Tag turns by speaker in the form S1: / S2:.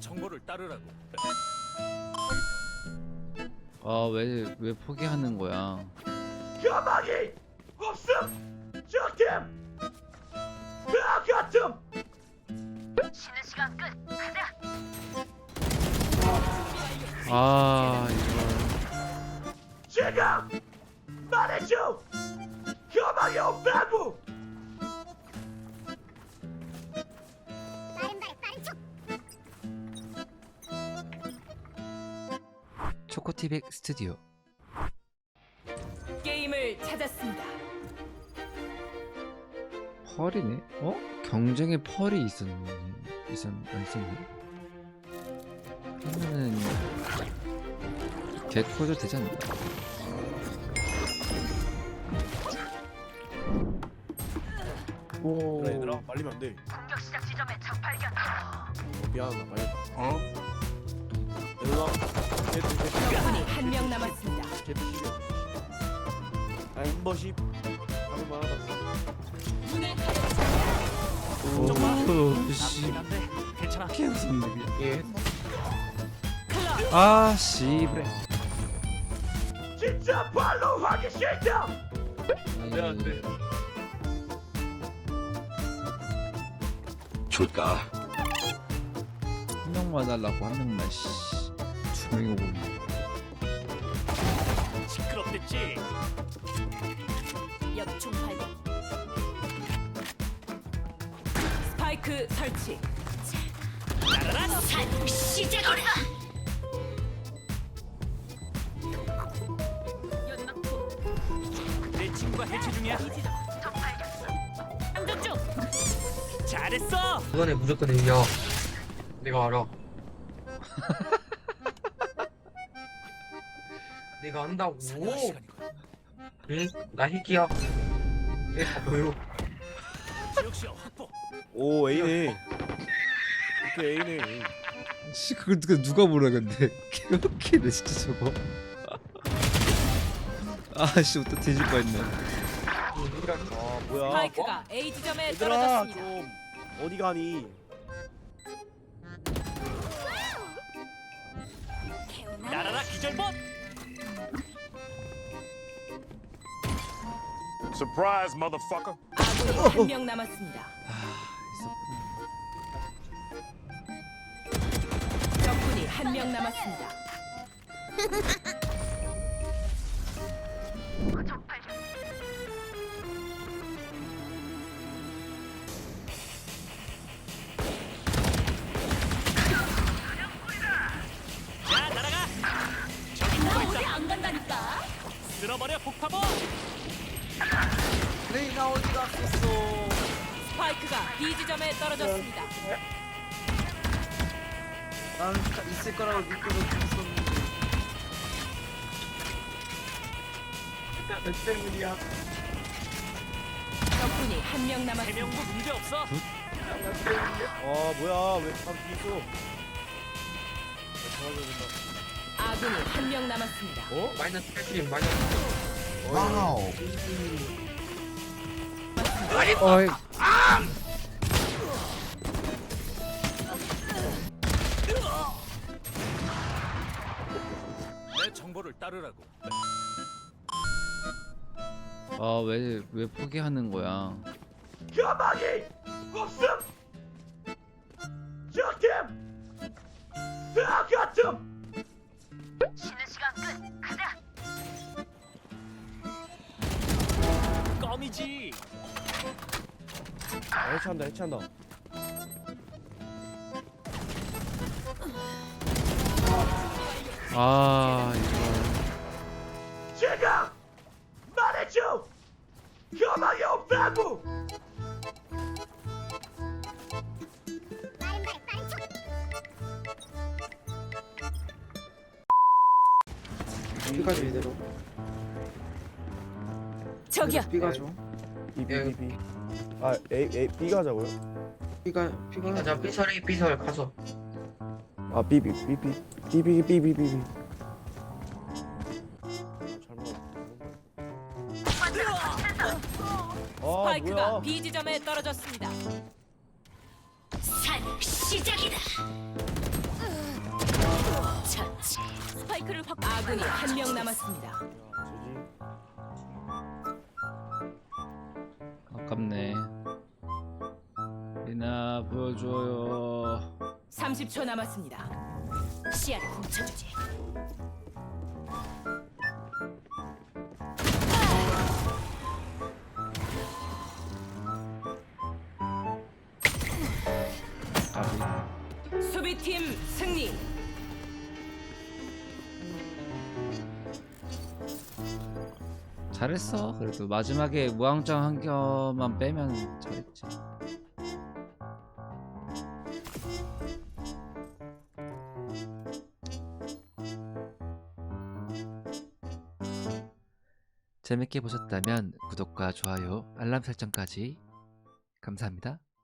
S1: 정보를 따르라고.
S2: 아, 왜 포기하는 거야?
S3: 가망이 없음. 적팀 다 같음.
S4: 쉬는 시간 끝. 가자.
S2: 아, 이거
S3: 지금 말해줘. 가망이 없다고.
S2: 초코티백 스튜디오.
S5: 게임을 찾았습니다.
S2: 펄이네? 어? 경쟁에 펄이 있었네. 안 있었네. 그러면은 개코도 되지 않나?
S6: 오. 그래 얘들아 말리면 안 돼.
S4: 공격 시작 지점에 적 발견.
S6: 미안하다 말렸다. 어? 얘들아.
S5: 적군이 한 명 남았습니다.
S6: 개피시려. 한 번씩 하는 말 하다.
S2: 오, 씨.
S1: 한데 괜찮아.
S2: 피했었네.
S6: 예.
S5: 클럽
S2: 아, 씨브레.
S3: 진짜 발로 하기 싫다.
S6: 안 돼.
S3: 줄까?
S2: 한 명만 하려고 한 명만 씨. 두 명이 오고 있네.
S1: 시끄럽겠지.
S5: 역총 발견. 스파이크 설치.
S4: 산 시작이다.
S5: 연막포
S1: 내 친구가 해체 중이야.
S4: 적 발견.
S5: 장전 중.
S1: 잘했어.
S7: 이번에 무조건 이겨. 내가 알아. 내가 안다고.
S1: 사냥할 시간이군.
S7: 응? 나 핵이야. 얘다 보여.
S1: 지역시야 확보.
S6: 오 A네. 이렇게 A네.
S2: 씨, 그걸 누가 보라 근데. 개웃기네 진짜 저거. 아씨, 또 뒤질 뻔했네.
S6: 아 뭐야?
S5: 스파이크가 A 지점에
S6: 얘들아
S5: 떨어졌습니다.
S6: 좀 어디 가니?
S1: 날아라 기절봇.
S8: Surprise, motherfucker.
S5: 아군이 한 명 남았습니다.
S2: 아, 있었구나.
S5: 적군이 한 명 남았습니다.
S4: 적 발견.
S1: 자 날아가.
S5: 나 어디 안 간다니까.
S1: 쓸어버려 폭파봇.
S3: 레이나 어디 갔었어?
S5: 스파이크가 B 지점에 떨어졌습니다.
S3: 난 있을 거라고 믿고 있었는데. 몇 때문이야?
S5: 적군이 한 명 남았습니다.
S1: 해명도 문제 없어.
S6: 아 뭐야 왜 바로 뒤 있어?
S5: 아군이 한 명 남았습니다.
S6: 어?
S7: 마이너스 8킬 마이너스.
S6: 와우.
S2: 어이.
S1: 내 정보를 따르라고.
S2: 아, 왜 포기하는 거야?
S3: 가망이 없음. 적팀 다 같음.
S4: 쉬는 시간 끝. 가자.
S1: 껌이지.
S6: 해체한다 해체한다.
S2: 아, 이거.
S3: 지금 말해줘. 가망이 없다고.
S6: B까지 이대로.
S5: 저기요.
S9: B가 줘.
S6: B B B B. 아 A B 가자고요?
S9: B가
S7: 자 삐설이 삐설 가서.
S6: 아 B B B B B B B B B. 아
S5: 스파이크가
S6: 뭐야?
S5: B 지점에 떨어졌습니다.
S4: 산 시작이다.
S5: 스파이크를 아군이 한 명 남았습니다.
S2: 아깝네. 리나 보여줘요.
S5: 30초 남았습니다. 시야를 훔쳐주지.
S2: 까비.
S5: 수비팀 승리.
S2: 잘했어. 그래도 마지막에 무왕짱 한 점만 빼면 잘했지. 재밌게 보셨다면 구독과 좋아요, 알람 설정까지 감사합니다.